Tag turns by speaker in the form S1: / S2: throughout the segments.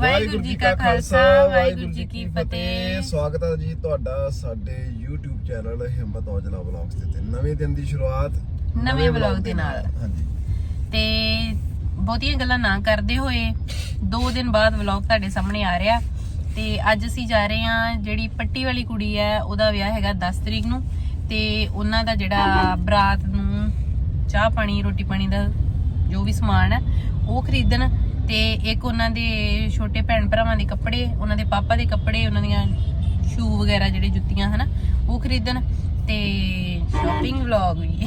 S1: ਵਾਹਿਗੁਰੂ ਜੀ ਕਾ ਖਾਲਸਾ ਵਾਹਿਗੁਰੂ ਜੀ ਕੀ ਫਤਿਹ।
S2: ਸਵਾਗਤ ਹੈ ਜੀ ਤੁਹਾਡਾ ਸਾਡੇ YouTube ਚੈਨਲ ਹਿੰਮਤ ਔਜਲਾ ਵਲੌਗਸ ਤੇ ਨਵੇਂ ਦਿਨ ਦੀ ਸ਼ੁਰੂਆਤ
S1: ਨਵੇਂ ਵਲੌਗ ਦੇ ਨਾਲ।
S2: ਹਾਂਜੀ
S1: ਤੇ ਬਹੁਤੀਆਂ ਗੱਲਾਂ ਨਾ ਕਰਦੇ ਹੋਏ 2 ਦਿਨ ਬਾਅਦ ਵਲੌਗ ਤੁਹਾਡੇ ਸਾਹਮਣੇ ਆ ਰਿਹਾ ਤੇ ਅੱਜ ਅਸੀਂ ਜਾ ਰਹੇ ਹਾਂ, ਜਿਹੜੀ ਪੱਟੀ ਵਾਲੀ ਕੁੜੀ ਹੈ ਉਹਦਾ ਵਿਆਹ ਹੈਗਾ 10 ਤਰੀਕ ਨੂੰ ਤੇ ਉਹਨਾਂ ਦਾ ਜਿਹੜਾ ਬਰਾਤ ਨੂੰ ਚਾਹ ਪਾਣੀ ਰੋਟੀ ਪਾਣੀ ਦਾ ਜੋ ਵੀ ਸਮਾਨ ਹੈ ਉਹ ਖਰੀਦਣ ਤੇ ਇੱਕ ਉਹਨਾਂ ਦੇ ਛੋਟੇ ਭੈਣ ਭਰਾਵਾਂ ਦੇ ਕੱਪੜੇ, ਉਹਨਾਂ ਦੇ ਪਾਪਾ ਦੇ ਕੱਪੜੇ, ਉਹਨਾਂ ਦੀਆਂ ਸ਼ੂ ਵਗੈਰਾ ਜਿਹੜੇ ਜੁੱਤੀਆਂ ਹਨਾ ਉਹ ਖਰੀਦਣ ਤੇ ਸ਼ਾਪਿੰਗ ਵਲੌਗ ਵੀ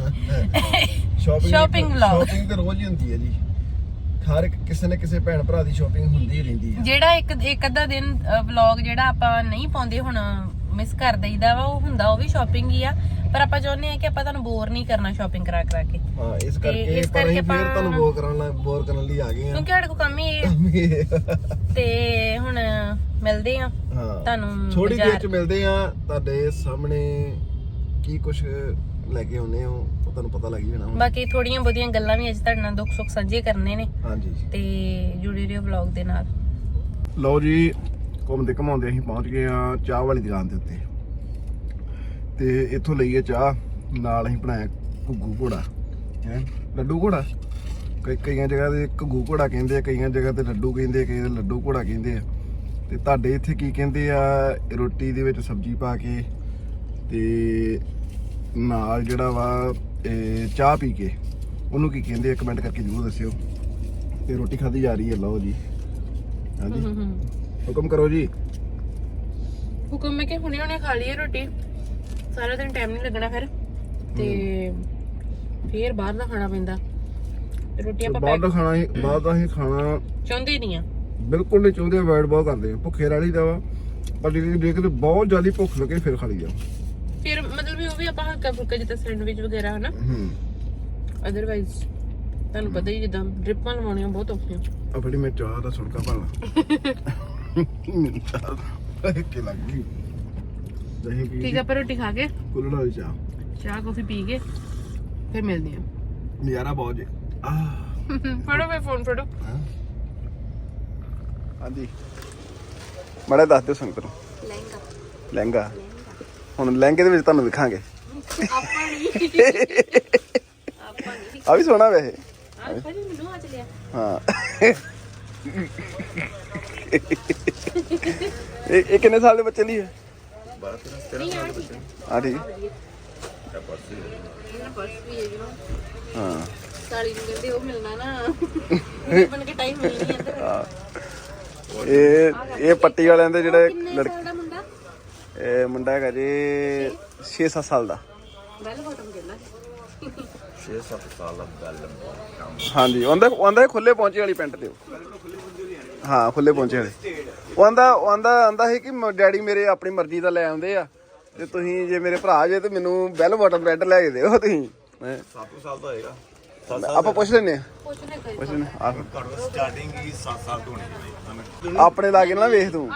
S1: ਸ਼ਾਪਿੰਗ ਵਲੌਗ
S2: ਸ਼ਾਪਿੰਗ ਤਾਂ ਰੋਜ਼ ਹੀ ਹੁੰਦੀ ਹੈ ਜੀ। ਹਰ ਕਿਸੇ ਨਾ ਕਿਸੇ ਭੈਣ ਭਰਾ ਦੀ ਸ਼ਾਪਿੰਗ ਹੁੰਦੀ ਹੀ ਰਹਿੰਦੀ ਹੈ।
S1: ਜਿਹੜਾ ਇੱਕ ਅੱਧਾ ਦਿਨ ਵਲੌਗ ਜਿਹੜਾ ਆਪਾਂ ਨਹੀਂ ਪਾਉਂਦੇ ਹੁਣ ਮਿਸ ਕਰ ਦਈਦਾ ਵਾ, ਉਹ ਹੁੰਦਾ ਉਹ ਵੀ ਸ਼ਾਪਿੰਗ ਹੀ ਆ, ਪਰ ਆਪਾਂ ਚਾਹੁੰਦੇ ਆ ਕਿ ਆਪਾਂ ਤੁਹਾਨੂੰ ਬੋਰ ਨਹੀਂ ਕਰਨਾ ਸ਼ਾਪਿੰਗ ਕਰਾ ਕੇ।
S2: ਹਾਂ ਇਸ ਕਰਕੇ ਪਰ ਅਸੀਂ ਫਿਰ ਤੁਹਾਨੂੰ ਬੋਰ ਕਰਨ ਲਈ ਆ ਗਏ ਆ,
S1: ਕਿਉਂਕਿ ਸਾਡੇ ਕੋਲ ਕੰਮ ਹੀ ਤੇ ਹੁਣ ਮਿਲਦੇ ਆ ਤੁਹਾਨੂੰ
S2: ਥੋੜੀ ਦੇਰ ਚ ਮਿਲਦੇ ਆ ਤੁਹਾਡੇ ਸਾਹਮਣੇ ਕੀ ਕੁਝ ਲੈ ਕੇ ਆਉਨੇ ਹੋ ਉਹ ਤੁਹਾਨੂੰ ਪਤਾ ਲੱਗ ਹੀ ਜਾਣਾ।
S1: ਬਾਕੀ ਥੋੜੀਆਂ ਬਹੁਤੀਆਂ ਗੱਲਾਂ ਵੀ ਅੱਜ ਤੁਹਾਡੇ ਨਾਲ ਦੁੱਖ ਸੁੱਖ ਸਾਂਝੇ ਕਰਨੇ ਨੇ।
S2: ਹਾਂਜੀ
S1: ਤੇ ਜੁੜੇ ਰਹੋ ਵਲੌਗ ਦੇ ਨਾਲ।
S2: ਲਓ ਜੀ ਘੁੰਮਦੇ ਘਮਾਉਂਦੇ ਅਸੀਂ ਪਹੁੰਚ ਗਏ ਆ ਚਾਹ ਵਾਲੀ ਦੁਕਾਨ ਦੇ ਉੱਤੇ ਤੇ ਇੱਥੋਂ ਲਈਏ ਚਾਹ, ਨਾਲ ਅਸੀਂ ਬਣਾਇਆ ਘੁੱਗੂ ਘੋੜਾ ਹੈ ਲੱਡੂ ਘੋੜਾ। ਕਈਆਂ ਜਗ੍ਹਾ ਤੇ ਘੁੱਗੂ ਘੋੜਾ ਕਹਿੰਦੇ ਆ, ਕਈਆਂ ਜਗ੍ਹਾ ਤੇ ਲੱਡੂ ਕਹਿੰਦੇ ਆ, ਕਈ ਲੱਡੂ ਘੋੜਾ ਕਹਿੰਦੇ ਆ। ਤੇ ਤੁਹਾਡੇ ਇੱਥੇ ਕੀ ਕਹਿੰਦੇ ਆ? ਰੋਟੀ ਦੇ ਵਿੱਚ ਸਬਜ਼ੀ ਪਾ ਕੇ ਤੇ ਨਾਲ ਜਿਹੜਾ ਵਾ ਚਾਹ ਪੀ ਕੇ ਉਹਨੂੰ ਕੀ ਕਹਿੰਦੇ ਆ? ਕਮੈਂਟ ਕਰਕੇ ਜ਼ਰੂਰ ਦੱਸਿਓ। ਤੇ ਰੋਟੀ ਖਾਧੀ ਜਾ ਰਹੀ ਹੈ। ਲਓ ਜੀ ਹਾਂਜੀ ਹੁਕਮ ਕਰੋ ਜੀ।
S1: ਹੁਕਮ ਮੈਂ ਕਿ ਹੁਣੇ ਖਾ ਲਈਏ ਰੋਟੀ, ਸਾਰਾ ਦਿਨ ਟਾਈਮ ਨਹੀਂ ਲੱਗਣਾ ਫਿਰ ਤੇ ਫੇਰ ਬਾਹਰ ਦਾ ਖਾਣਾ ਪੈਂਦਾ। ਰੋਟੀ ਆਪਾਂ
S2: ਬਾਹਰ ਦਾ ਖਾਣਾ ਹੀ ਬਾਹਰ ਦਾ ਹੀ ਖਾਣਾ
S1: ਚਾਹੁੰਦੇ ਨਹੀਂ ਆ,
S2: ਬਿਲਕੁਲ ਨਹੀਂ ਚਾਹੁੰਦੇ, ਅਵਾਇਡ ਬਹੁਤ ਕਰਦੇ ਆ। ਭੁੱਖੇ ਰਹਿ ਦਾ ਵਾ, ਪਰ ਜੇ ਕਿਤੇ ਬਹੁਤ ਜ਼ਿਆਦਾ ਭੁੱਖ ਲੱਗੇ ਫਿਰ ਖਾ ਲਈਦਾ।
S1: ਫਿਰ ਮਤਲਬ ਵੀ ਉਹ ਵੀ ਆਪਾਂ ਹਲਕਾ ਫੁਲਕਾ ਜਿੱਦਾਂ ਸੈਂਡਵਿਚ ਵਗੈਰਾ ਹਨਾ। ਅਦਰਵਾਈਜ਼ ਤੁਹਾਨੂੰ ਪਤਾ ਹੀ ਜਿੱਦਾਂ ਡ੍ਰਿਪਾਂ ਲਵਾਉਣੀਆਂ ਬਹੁਤ ਔਖੀਆਂ।
S2: ਆ ਫੜੀ ਮੈਂ ਚਾਹ ਦਾ ਸੁਣਕਾ ਪਾ ਲਾ ਕਿ ਲੱਗ ਗਈ ਦਹੀਂ ਪੀ।
S1: ਠੀਕ ਆ, ਪਰ ਰੋਟੀ ਖਾ ਕੇ
S2: ਕੁੱਲੜ ਵਾਲੀ ਚਾਹ
S1: ਕਾਫੀ ਪੀ ਕੇ ਫਿਰ ਮਿਲਦੇ ਆ।
S2: ਨਜ਼ਾਰਾ ਬਹੁਤ ਜੇ।
S1: ਫੜੋ ਮੈਂ ਫੋਨ ਫੜੋ।
S2: ਹਾਂਜੀ ਮਾੜਾ ਦੱਸ ਦਿਓ ਸੰਗਤ ਨੂੰ। ਲਹਿੰਗਾ ਹੁਣ ਲਹਿੰਗੇ ਦੇ ਵਿੱਚ ਤੁਹਾਨੂੰ ਵਿਖਾਂਗੇ। ਆ ਵੀ ਸੋਹਣਾ ਵੈਸੇ। ਹਾਂ ਇਹ ਕਿੰਨੇ ਸਾਲ ਦੇ ਬੱਚੇ ਲਈ ਹੈ? 12-13 ਸਾਲ ਦੇ ਬੱਚੇ। ਹਾਂ ਠੀਕ ਹਾਂ
S1: ਸਾਲੀ ਨੂੰ ਕਹਿੰਦੇ ਉਹ ਮਿਲਣਾ ਨਾ ਬਣ ਕੇ ਟਾਈਮ ਮਿਲ ਨਹੀਂ ਆਂਦਾ।
S2: ਇਹ ਪੱਟੀ ਵਾਲਿਆਂ ਦੇ ਜਿਹੜੇ
S1: ਲੜਕਾ ਦਾ ਮੁੰਡਾ,
S2: ਇਹ ਮੁੰਡਾ ਹੈਗਾ ਜੀ 6-7 ਸਾਲ ਦਾ।
S1: ਬੈਲ ਬਾਟਮ ਕਹਿੰਦਾ
S2: 6-7 ਸਾਲ ਦਾ ਬੈਲ ਬਾਟਮ। ਹਾਂਜੀ ਉਹਦਾ ਖੁੱਲੇ ਪਹੁੰਚੇ ਵਾਲੀ ਪੈਂਟ ਦਿਓ। ਹਾਂ ਖੁੱਲੇ ਪਹੁੰਚੇ ਵਾਲੇ। ਉਹਦਾ ਸੀ ਕਿ ਡੈਡੀ ਮੇਰੇ ਆਪਣੀ ਮਰਜ਼ੀ ਦਾ ਲੈ ਆਉਂਦੇ ਆ ਤੇ ਤੁਸੀਂ ਜੇ ਮੇਰੇ ਭਰਾ ਜੇ ਤੇ ਮੈਨੂੰ ਬੈਲ ਬਾਟਮ ਪੈਂਟ ਲੈ ਕੇ ਦਿਓ। ਤੁਸੀਂ 7 ਸਾਲ ਦਾ ਹੋਏਗਾ, ਆਪਾਂ ਪੁੱਛ ਲੈਨੇ ਆ।
S3: ਸਟਾਰਟਿੰਗ ਹੀ 7 ਸਾਲ ਤੋਂ ਹੋਣੀ।
S2: ਆਪਣੇ ਲਾਗੇ ਨਾ ਵੇਖ ਤੂੰ।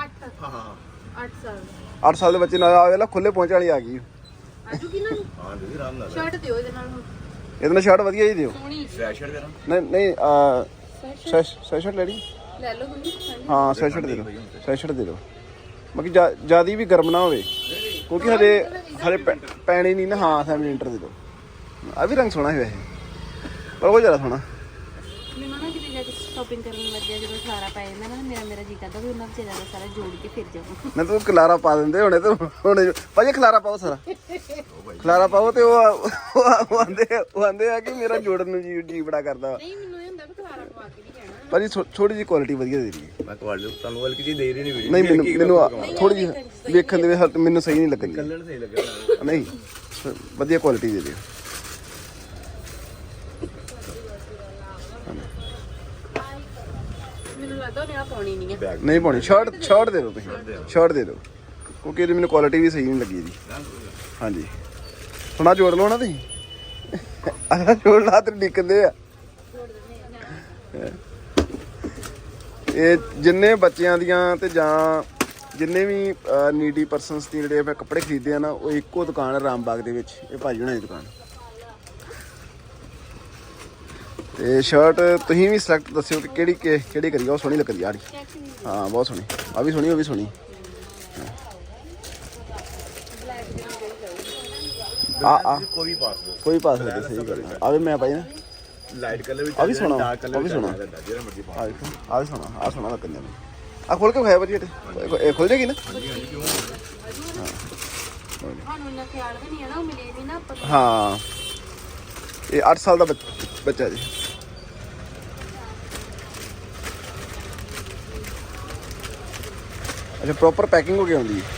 S2: 8 ਸਾਲ ਦੇ ਬੱਚੇ ਨਾਲ ਆ ਵੇਲਾ ਖੁੱਲੇ ਪਹੁੰਚ ਵਾਲੀ ਆ ਗਈ।
S1: ਆਜੂ ਕਿਨਾਂ ਨੂੰ? ਹਾਂ ਜੀ ਆਰਾਮ ਨਾਲ ਸ਼ਰਟ ਦਿਓ ਇਹਦੇ ਨਾਲ। ਹੁਣ
S2: ਇਹਦੇ ਨਾਲ ਸ਼ਰਟ ਵਧੀਆ ਜੀ ਦਿਓ।
S3: ਸਵੈਟਸ਼ਰਟ ਦੇਣਾ?
S2: ਨਹੀਂ ਸਵੈਟਸ਼ਰਟ ਲੈ ਲਈ।
S1: ਲੈ ਲਓ ਤੁਸੀਂ।
S2: ਹਾਂ ਸਵੈਟਸ਼ਰਟ ਦੇ ਦਿਓ, ਸਵੈਟਸ਼ਰਟ ਦੇ ਦਿਓ। ਬਾਕੀ ਜਿਆਦਾ ਵੀ ਗਰਮ ਨਾ ਹੋਵੇ ਕਿਉਂਕਿ ਹਜੇ ਪੈਣੀ ਨਹੀਂ ਨਾ। ਹਾਂ ਸੈਂਟੀਮੀਟਰ ਦੇ ਦਿਓ। ਆ ਵੀ ਰੰਗ ਸੋਹਣਾ ਹੈ ਵੈਸੇ, ਪਰ ਉਹ ਜ਼ਿਆਦਾ ਸੋਹਣਾ।
S1: ਮੈਨੂੰ ਨਾ ਕਿਤੇ ਜਾ ਕੇ ਸ਼ਾਪਿੰਗ ਕਰਨ ਲੱਗਿਆ ਜਦੋਂ ਖਲਾਰਾ ਪੈ ਜਾਂਦਾ ਨਾ, ਮੇਰਾ ਜੀ ਕਰਦਾ ਵੀ ਉਹਨਾਂ ਵਿਚਾਰਿਆਂ ਦਾ ਸਾਰਾ ਜੋੜ ਕੇ ਫਿਰ ਜਾਵਾਂ।
S2: ਨਾ ਤੂੰ ਖਲਾਰਾ ਪਾ ਦਿੰਦੇ ਹੁਣੇ ਤੇ ਹੁਣ ਭਾਜੀ ਖਲਾਰਾ ਪਾਓ, ਸਾਰਾ ਖਲਾਰਾ ਪਾਓ। ਤੇ ਉਹ ਆਂਦੇ ਆ ਕਿ ਮੇਰਾ ਜੋੜਨ ਨੂੰ ਜੀ ਬੜਾ ਕਰਦਾ।
S1: ਨਹੀਂ ਮੈਨੂੰ ਇਹ ਹੁੰਦਾ ਵੀ ਖਲਾਰਾ ਪਵਾ ਕੇ ਨਹੀਂ ਜਾਣਾ
S2: ਭਾਜੀ ਥੋੜੀ ਜਿਹੀ ਕੁਆਲਿਟੀ ਵਧੀਆ ਦੇ ਰਹੀ।
S3: ਮੈਂ ਤੁਹਾਨੂੰ ਹਲਕੀ ਜੀ ਦੇ ਰਹੀ ਨਹੀਂ ਵੀਡੀਓ।
S2: ਨਹੀਂ ਮੈਨੂੰ ਥੋੜੀ ਜਿਹੀ ਵੇਖਣ ਦੇ ਵਿੱਚ ਮੈਨੂੰ ਸਹੀ ਨਹੀਂ ਲੱਗਣੀ।
S3: ਕਲਰ ਸਹੀ ਲੱਗਿਆ
S2: ਨਹੀਂ ਵਧੀਆ ਕੁਆਲਿਟੀ ਦੇ ਦਿਓ।
S1: ਮੈਨੂੰ ਲੱਗਦਾ ਉਹਨੇ ਆ ਪਾਉਣੀ ਨਹੀਂ ਹੈ।
S2: ਨਹੀਂ ਪਾਉਣੀ। ਸ਼ਰਟ ਦੇ ਦਿਓ ਤੁਸੀਂ, ਸ਼ਰਟ ਦੇ ਦਿਓ ਕਿਉਂਕਿ ਇਹਦੀ ਮੈਨੂੰ ਕੁਆਲਿਟੀ ਵੀ ਸਹੀ ਨਹੀਂ ਲੱਗੀ ਜੀ। ਹਾਂਜੀ ਥੋੜਾ ਜੋੜ ਲਓ ਨਾ ਤੁਸੀਂ। ਜੋੜ ਲਾ ਤੇ ਡਿੱਕਦੇ ਆ। ਇਹ ਜਿੰਨੇ ਬੱਚਿਆਂ ਦੀਆਂ ਤੇ ਜਾਂ ਜਿੰਨੇ ਵੀ ਨੀਡੀ ਪਰਸਨਸ ਦੀ ਜਿਹੜੇ ਮੈਂ ਕੱਪੜੇ ਖਰੀਦੇ ਆ ਨਾ, ਉਹ ਇੱਕੋ ਦੁਕਾਨ ਰਾਮਬਾਗ ਦੇ ਵਿੱਚ। ਇਹ ਭਾਜੀ ਹੁਣਾਂ ਦੀ ਦੁਕਾਨ। ਤੇ ਸ਼ਰਟ ਤੁਸੀਂ ਵੀ ਸਿਲੈਕਟ ਦੱਸਿਓ ਕਿ ਕਿਹੜੀ ਕਰੀਏ। ਉਹ ਸੋਹਣੀ ਲੱਗਦੀ ਆ ਰਹੀ। ਹਾਂ ਬਹੁਤ ਸੋਹਣੀ। ਆ ਵੀ ਸੋਹਣੀ, ਉਹ ਵੀ ਸੋਹਣੀ। ਆ
S3: ਕੋਈ ਪਾਸ
S2: ਕੋਈ ਪਾ ਸਕਦੇ, ਸਹੀ ਗੱਲ ਆ। ਵੀ ਮੈਂ ਪਾਈ ਨਾ
S3: ਲਾਈਟ ਕਲਰ ਵੀ
S2: ਆ ਵੀ ਸੋਹਣਾ,
S3: ਡਾਰਕ ਕਲਰ
S2: ਆ ਵੀ ਸੋਹਣਾ।
S3: ਜਿਹੜਾ ਮਰਜ਼ੀ ਪਾ।
S2: ਆ ਦੇਖੋ, ਆ ਵੀ ਸੋਹਣਾ, ਆ ਸੋਹਣਾ ਲੱਗਣ ਮੈਨੂੰ। ਆ ਖੋਲ ਕੇ ਵਿਖਾਇਆ ਭਾਜੀ ਇਹ ਖੁੱਲ ਜਾਏਗੀ ਨਾ।
S1: ਤੁਹਾਨੂੰ ਇੰਨਾ ਖਿਆਲ ਵੀ ਨਹੀਂ ਹੈ ਨਾ, ਉਹ ਮਿਲੇ ਨਹੀਂ ਨਾ ਆਪਾਂ ਨੂੰ।
S2: ਹਾਂ ਇਹ 8 ਸਾਲ ਦਾ ਬੱਚਾ ਜੀ। ਅੱਛਾ ਪ੍ਰੋਪਰ ਪੈਕਿੰਗ ਹੋ ਕੇ ਆਉਂਦੀ ਹੈ।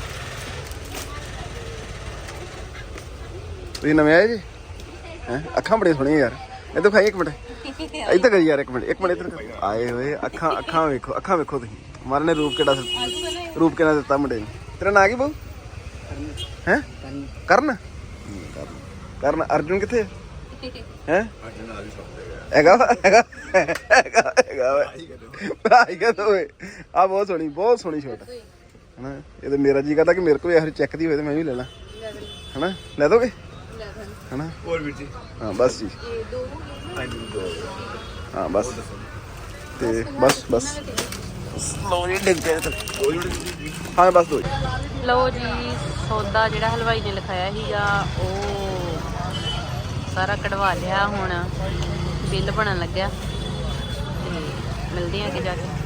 S2: ਤੁਸੀਂ ਨਵੇਂ ਆਏ ਜੀ ਹੈ? ਅੱਖਾਂ ਬੜੀਆਂ ਸੋਹਣੀਆਂ ਯਾਰ। ਇਹ ਤਾਂ ਖਾਈ ਇੱਕ ਮਿੰਟ ਇੱਧਰ ਕਰੀ ਯਾਰ, ਇੱਕ ਮਿੰਟ ਇੱਧਰ ਆਏ ਹੋਏ। ਅੱਖਾਂ ਵੇਖੋ, ਅੱਖਾਂ ਵੇਖੋ ਤੁਸੀਂ। ਮਾਰੇ ਨੇ ਰੂਪ ਕਿਹੜਾ ਦਿੱਤਾ ਮੁੰਡੇ ਨੂੰ। ਤੇਰਾ ਨਾਂ ਕੀ ਬਹੁ ਹੈ? ਕਰਨ। ਕਰਨ ਅਰਜੁਨ ਕਿੱਥੇ ਹੈ? ਹੈਗਾ ਆ ਬਹੁਤ ਸੋਹਣੀ ਸ਼ਰਟ ਹਨਾ। ਇਹ ਤਾਂ ਮੇਰਾ ਜੀ ਕਰਦਾ ਕਿ ਮੇਰੇ ਕੋਲ ਇਹੋ ਚੈੱਕ ਦੀ ਹੋਏ ਤੇ ਮੈਂ ਵੀ ਲੈ ਲਾਂ ਹਨਾ। ਲੈ ਦੋਗੇ ਹਨਾ?
S3: ਹੋਰ ਵੀਰ ਜੀ
S2: ਹਾਂ ਬਸ ਜੀ।
S3: ਹਾਂਜੀ ਦੋ
S2: ਹਾਂ ਬਸ ਤੇ ਬਸ ਲੋ ਜੀ ਡਿੱਗ ਗਏ। ਹਾਂ ਬਸ ਦੋ ਜੀ।
S1: ਲਓ ਜੀ ਸੌਦਾ ਜਿਹੜਾ ਹਲਵਾਈ ਨੇ ਲਿਖਾਇਆ ਸੀਗਾ ਉਹ ਸਾਰਾ ਕਢਵਾ ਲਿਆ। ਹੁਣ ਬਿੱਲ ਬਣਨ ਲੱਗਿਆ ਤੇ ਮਿਲਦੇ ਆ ਅੱਗੇ ਜਾ ਕੇ।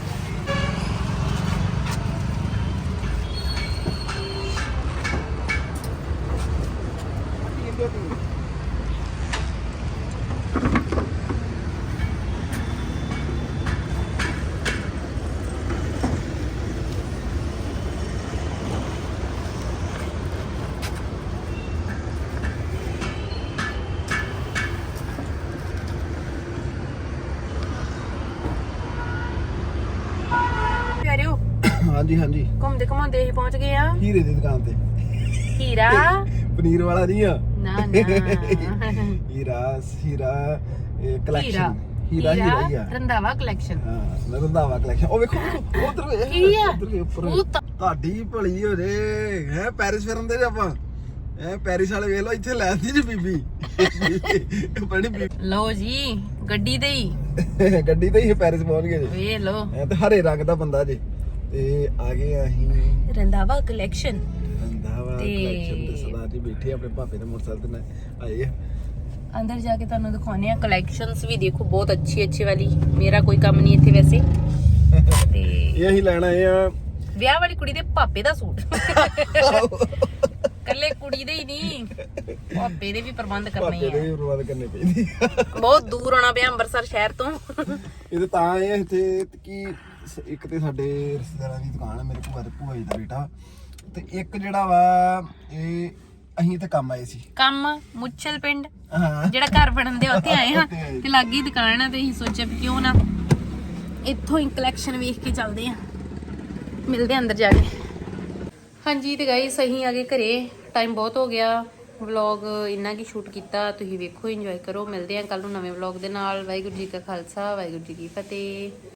S1: ਪਿਆਰਿਓ
S2: ਹਾਂਜੀ
S1: ਘੁੰਮਦੇ ਘੁੰਮਾਉਂਦੇ ਅਸੀਂ ਪਹੁੰਚ ਗਏ ਆ
S2: ਹੀਰੇ ਦੀ ਦੁਕਾਨ ਤੇ।
S1: ਹੀਰਾ
S2: ਪਨੀਰ ਵਾਲਾ ਨਹੀਂ ਆ।
S1: ਨਾ
S2: ਹੀਰਾ ਕਲੈਕਸ਼ਨ। ਹੀਰਾ ਹੀ ਆ।
S1: ਰੰਧਾਵਾ ਕਲੈਕਸ਼ਨ।
S2: ਹਾਂ ਰੰਧਾਵਾ ਕਲੈਕਸ਼ਨ। ਉਹ ਵੇਖੋ ਉਧਰ
S1: ਕੀ ਆ?
S2: ਉੱਪਰ ਤੁਹਾਡੀ ਭਲੀ ਹੋ ਜੇ ਹੈ। ਪੈਰਿਸ ਫਿਰਨ ਦੇ ਆਪਾਂ ਐ ਪੈਰਿਸ ਵਾਲੇ ਵੇਖ ਲਓ ਇੱਥੇ ਲੈ ਆਂਦੀ ਜੀ ਬੀਬੀ ਬੜੀ।
S1: ਲਓ ਜੀ ਗੱਡੀ ਤੇ ਹੀ
S2: ਗੱਡੀ ਤੇ ਹੀ ਪੈਰਿਸ ਪਹੁੰਚ ਗਏ ਜੀ।
S1: ਵੇਖ ਲਓ
S2: ਐ ਤੇ ਹਰੇ ਰੰਗ ਦਾ ਬੰਦਾ ਜੀ। ਤੇ ਆ ਗਏ ਅਸੀਂ
S1: ਰੰਧਾਵਾ ਕਲੈਕਸ਼ਨ
S2: ਰੰਧਾਵਾ ਕਲੈਕਸ਼ਨ ਤੇ ਸਰਦਾਰ ਜੀ ਬੈਠੇ ਆਪਣੇ ਭਾਪੇ ਦੇ ਮੋਟਰਸਾਈਕਲ ਤੇ ਆਏ ਆ।
S1: ਅੰਦਰ ਜਾ ਕੇ ਤੁਹਾਨੂੰ ਦਿਖਾਉਣੇ ਆ ਕਲੈਕਸ਼ਨਸ ਵੀ। ਦੇਖੋ ਬਹੁਤ ਅੱਛੀ ਵਾਲੀ। ਮੇਰਾ ਕੋਈ ਕੰਮ ਨਹੀਂ ਇੱਥੇ ਵੈਸੇ। ਤੇ
S2: ਇਹ ਅਸੀਂ ਲੈਣ ਆਏ ਆ
S1: ਵਿਆਹ ਵਾਲੀ ਕੁੜੀ ਦੇ ਪਾਪੇ ਦਾ ਸੂਟ। ਕੱਲੇ ਕੁੜੀ ਦੇ ਹੀ ਨਹੀਂ, ਪਾਪੇ ਦੇ ਵੀ ਪ੍ਰਬੰਧ ਕਰਨੇ
S2: ਭਾਪੇ ਦੇ
S1: ਆ।
S2: ਵੀ ਪ੍ਰਬੰਧ ਕਰਨੇ ਪੈਂਦੇ।
S1: ਬਹੁਤ ਦੂਰ ਆਉਣਾ ਪਿਆ ਅੰਮ੍ਰਿਤਸਰ ਸ਼ਹਿਰ ਤੋਂ।
S2: ਇਹ ਤਾਂ ਆਏ ਇੱਥੇ ਕਿ ਇੱਕ ਤੇ ਸਾਡੇ ਰਿਸ਼ਤੇਦਾਰਾਂ ਦੀ ਦੁਕਾਨ ਹੈ, ਮੇਰੇ ਭੂਆ ਜੀ ਦਾ ਬੇਟਾ। ਤੇ ਇੱਕ ਜਿਹੜਾ ਵਾ ਇਹ ਅਸੀਂ ਇੱਥੇ ਕੰਮ ਆਏ ਸੀ।
S1: ਕੰਮ ਮੁੱਛਲ ਪਿੰਡ
S2: ਹਾਂ
S1: ਜਿਹੜਾ ਘਰ ਬਣਨ ਦੇ ਉੱਥੇ ਆਏ ਹਾਂ ਤੇ ਲਾਗੀ ਦੁਕਾਨ ਆ ਤੇ ਅਸੀਂ ਸੋਚਿਆ ਵੀ ਕਿਉਂ ਨਾ ਇੱਥੋਂ ਹੀ ਕਲੈਕਸ਼ਨ ਵੇਖ ਕੇ ਚੱਲਦੇ ਆ। ਮਿਲਦੇ ਆ ਅੰਦਰ ਜਾ ਕੇ। ਹਾਂਜੀ ਤੇ ਗਾਇਸ ਅਸੀਂ ਆ ਗਏ ਘਰੇ। ਟਾਈਮ ਬਹੁਤ ਹੋ ਗਿਆ। ਵਲੌਗ ਇੰਨਾ ਕੀ ਸ਼ੂਟ ਕੀਤਾ। ਤੁਸੀਂ ਵੇਖੋ, ਇੰਜੋਏ ਕਰੋ। ਮਿਲਦੇ ਆ ਕੱਲ ਨੂੰ ਨਵੇਂ ਵਲੌਗ ਦੇ ਨਾਲ। ਵਾਹਿਗੁਰੂ ਜੀ ਕਾ ਖਾਲਸਾ, ਵਾਹਿਗੁਰੂ ਜੀ ਕੀ ਫਤਿਹ।